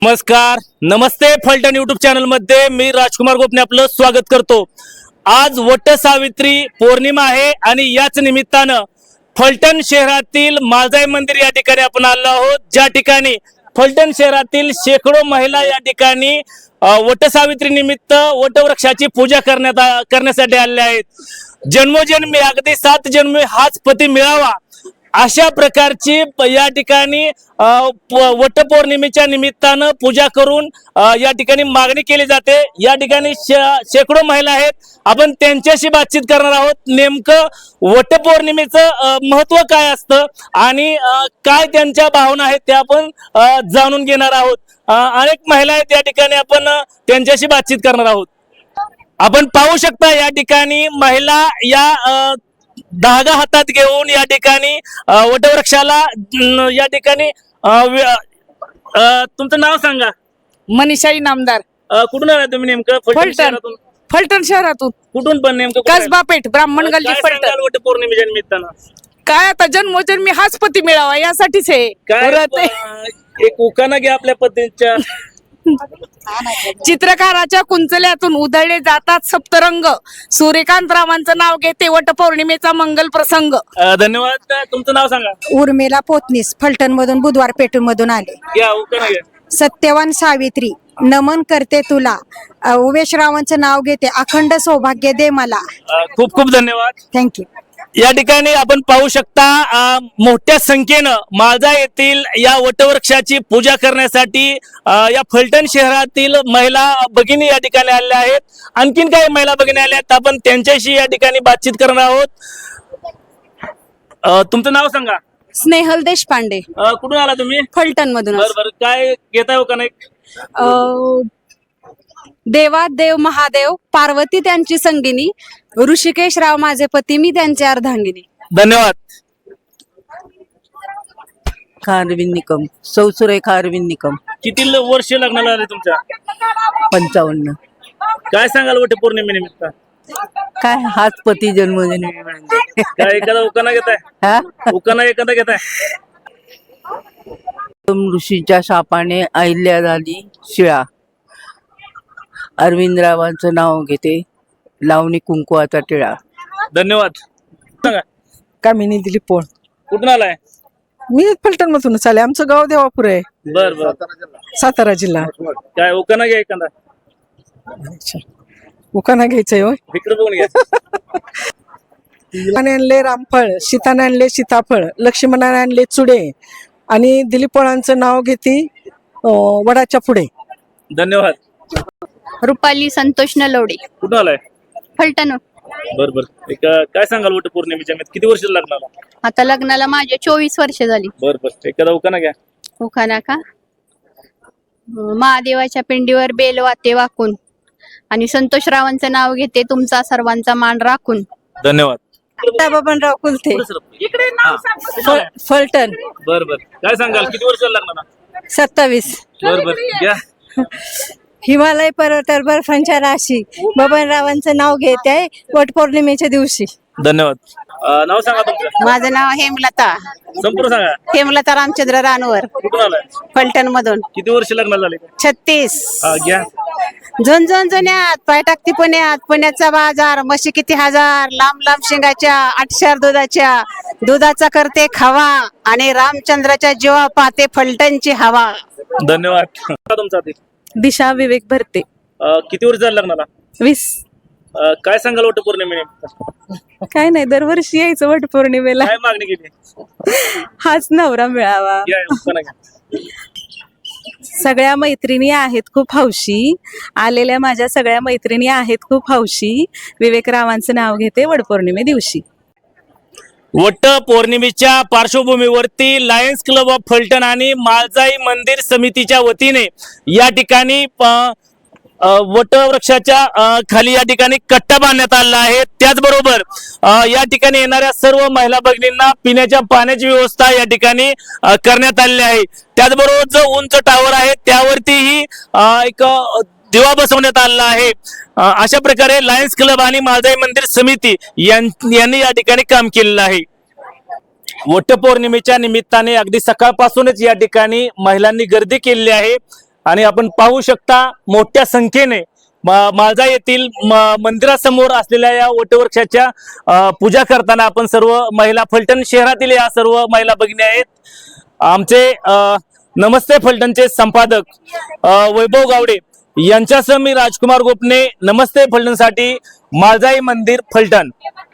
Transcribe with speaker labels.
Speaker 1: नमस्कार, नमस्ते Phaltan YouTube channel मध्ये मी राजकुमार गोपने आपलं स्वागत करतो। आज वट सावित्री पौर्णिमा आहे आणि याच निमित्तानं फलटण शहरातील माळजाई मंदिर या ठिकाणी आपण आलो आहोत, ज्या ठिकाणी फलटण शहरातील शेकडो महिला या ठिकाणी वट सावित्री निमित्त वटवृक्षाची पूजा करण्यासाठी आलेल्या आहेत। जन्मोजन्मी अगदी 7 जन्मी हाच पती मिळावा अशा प्रकारची या ठिकाणी वटपौर्णिमेच्या निमित्तानं पूजा करून या ठिकाणी मागणी केली जाते। या ठिकाणी शेकडो महिला आहेत, आपण त्यांच्याशी बातचीत करणार आहोत। नेमकं वटपौर्णिमेचं महत्त्व काय असतं आणि काय त्यांच्या भावना आहेत त्या आपण जाणून घेणार आहोत। अनेक महिला आहेत या ठिकाणी, आपण त्यांच्याशी बातचीत करणार आहोत। आपण पाहू शकता या ठिकाणी महिला या धागा हातात घेऊन या ठिकाणी वटवृक्षाला या ठिकाणी तुमचं नाव सांगा।
Speaker 2: मनीषाई नामदार।
Speaker 1: कुठून आला तुम्ही नेमकं?
Speaker 2: फलटण शहरातून।
Speaker 1: कुठून पण नेमकं?
Speaker 2: कसबा पेठ, ब्राह्मण गल्ली, फलटण।
Speaker 1: वटपौर्णिमेच्या निमित्तानं
Speaker 2: काय आता जन्मोजन्मी हाच पती मिळावा यासाठीच आहे।
Speaker 1: काय एक उखाणा घ्या आपल्या पद्धतीच्या।
Speaker 2: चित्रकाराच्या कुंचल्यातून उधळले जातात सप्तरंग, सूर्यकांत रावांचं नाव घेते वटपौर्णिमेचा मंगल प्रसंग।
Speaker 1: धन्यवाद। तुमचं नाव सांगा।
Speaker 3: उर्मिला पोतनीस, फलटण मधून बुधवार पेठून मधून आले।
Speaker 1: घ्या उखाणा घ्या।
Speaker 3: सत्यवान सावित्री नमन करते तुला, उमेश रावांचं नाव घेते अखंड सौभाग्य दे मला।
Speaker 1: खूप खूप धन्यवाद।
Speaker 3: थँक्यू।
Speaker 1: या ठिकाणी आपण पाहू शकता मोठ्या संख्येनं माळजा येथील या वटवृक्षाची पूजा करण्यासाठी या फलटण शहरातील महिला भगिनी या ठिकाणी आलेल्या आहेत। आणखीन काही महिला भगिनी आल्या आहेत, आपण त्यांच्याशी या ठिकाणी बातचीत करणार आहोत। तुमचं नाव सांगा।
Speaker 4: स्नेहल देशपांडे।
Speaker 1: कुठून आला तुम्ही?
Speaker 4: फलटण मधून।
Speaker 1: बरोबर, काय घेताय हो का नाही?
Speaker 4: देवा देव महादेव, पार्वती त्यांची संगिनी, ऋषिकेश राव माझे पती, मी त्यांचे अर्धांगिनी।
Speaker 1: धन्यवाद।
Speaker 5: अरविंद निकम, सौसुरेखा अरविंद निकम।
Speaker 1: किती वर्ष लग्नाला आले तुमच्या?
Speaker 5: 55।
Speaker 1: काय सांगाल वटपौर्णिमेनिमित्त?
Speaker 5: काय हाच पती जन्मोजन्मी मिळाले।
Speaker 1: काय एखादा उखाणा घेताय?
Speaker 5: हा?
Speaker 1: उखाणा एखादा घेताय?
Speaker 5: ऋषीच्या शापाने अहिल्या झाली शिळा, अरविंदरावांचं नाव घेते लावणी कुंकुवाचा टिळा।
Speaker 1: धन्यवाद। सांगा।
Speaker 6: कामिनी दिलीप पोळ।
Speaker 1: कुठून आलाय?
Speaker 6: मी फलटण मधूनच आले, आमचं गाव देवापूर आहे,
Speaker 1: बर बर।
Speaker 6: सातारा जिल्हा।
Speaker 1: काय उखाणा घ्या एखादा।
Speaker 6: अच्छा, उखाणा घ्यायचंय होय?
Speaker 1: इकडे बघून घ्या।
Speaker 6: रामाने आणले रामफळ, सीताने आणले सीताफळ, लक्ष्मणाने आणले चुडे आणि दिलीप पोळांचं नाव घेते वडाच्या पुढे।
Speaker 1: धन्यवाद।
Speaker 4: रुपाली संतोष नलवडे।
Speaker 1: कुठून आलाय?
Speaker 4: फलटण।
Speaker 1: बर बर। काय सांगाल वटपौर्णिमेच्या किती वर्ष लग्नाला?
Speaker 4: आता लग्नाला माझे 24 वर्ष झाली।
Speaker 1: बर बर। एखादा उखाणा घ्या।
Speaker 4: उखाणा का? महादेवाच्या पिंडीवर बेल वाते वाकून, आणि संतोष रावांचं नाव घेते तुमचा सर्वांचा मान राखून।
Speaker 1: धन्यवाद।
Speaker 3: बबनराव कुलथे,
Speaker 6: फलटण।
Speaker 1: बर बर। काय सांगाल किती वर्ष लग्नाला?
Speaker 3: 27।
Speaker 1: बर बर घ्या।
Speaker 3: हिमालय पर्वतावर बर्फांच्या राशी, बबनरावांचं नाव घेत आहे वटपौर्णिमेच्या दिवशी।
Speaker 1: धन्यवाद। नाव सांगा तुमचं।
Speaker 4: माझं नाव हेमलता,
Speaker 1: संपूर्ण सांगा।
Speaker 4: हेमलता रामचंद्र रानवर,
Speaker 1: कुठून आलाय?
Speaker 4: फलटण मधून।
Speaker 1: किती वर्ष लग्नाला झाले?
Speaker 4: 36।
Speaker 1: घ्या।
Speaker 4: झुंझुन जुन्यात पाय टाकती पुण्यात, पुण्याचा बाजार, म्हशी किती हजार, लांब लांब शेंगाच्या, 8 दुधाच्या, दुधाचा करते खावा, आणि रामचंद्राच्या जीवा पाते फलटणची हवा।
Speaker 1: धन्यवाद। तुमचा
Speaker 2: दिशा विवेक भरते।
Speaker 1: किती वर्ष झालं लग्नाला?
Speaker 2: 20।
Speaker 1: काय सांगाल वटपौर्णिमेनिमित्त?
Speaker 2: काय नाही, दरवर्षी यायचं वटपौर्णिमेला,
Speaker 1: काय मागणी केली?
Speaker 2: हाच नवरा मिळावा।
Speaker 1: घ्या, उखाणा घ्या।
Speaker 2: सगळ्या मैत्रिणी आहेत खूप हौशी, आलेल्या माझ्या सगळ्या मैत्रिणी आहेत खूप हौशी, विवेकरावांचं नाव घेते वटपौर्णिमे दिवशी।
Speaker 1: वट पौर्णिमेच्या पार्श्वभूमीवरती लायन्स क्लब ऑफ फलटण आणि माळजाई मंदिर समितीच्या वतीने या ठिकाणी वटवृक्षाच्या खाली या ठिकाणी कट्टा बांधण्यात आला आहे। त्याचबरोबर या ठिकाणी येणाऱ्या सर्व महिला भगिनींना पिण्याच्या पाण्याची व्यवस्था या ठिकाणी करण्यात आलेली आहे। त्याचबरोबर जो उंच टावर आहे त्यावरतीही एक दिवा बसवण्यात आला आहे। अशा प्रकारे लायन्स क्लब आणि माळजाई मंदिर समिती यांनी या ठिकाणी काम केलेलं आहे। वटपौर्णिमेच्या निमित्ताने अगदी सकाळपासूनच या ठिकाणी महिलांनी गर्दी केलेली आहे। आणि आपण पाहू शकता मोठ्या संख्येने माळजा येथील मंदिरासमोर असलेल्या या वटवृक्षाच्या पूजा करताना आपण सर्व महिला, फलटण शहरातील या सर्व महिला भगिनी आहेत. आमचे नमस्ते फलटणचे संपादक वैभव गावडे यांच्यासह मी राजकुमार गोपने, नमस्ते फलटणसाठी, माळजाई मंदिर, फलटण.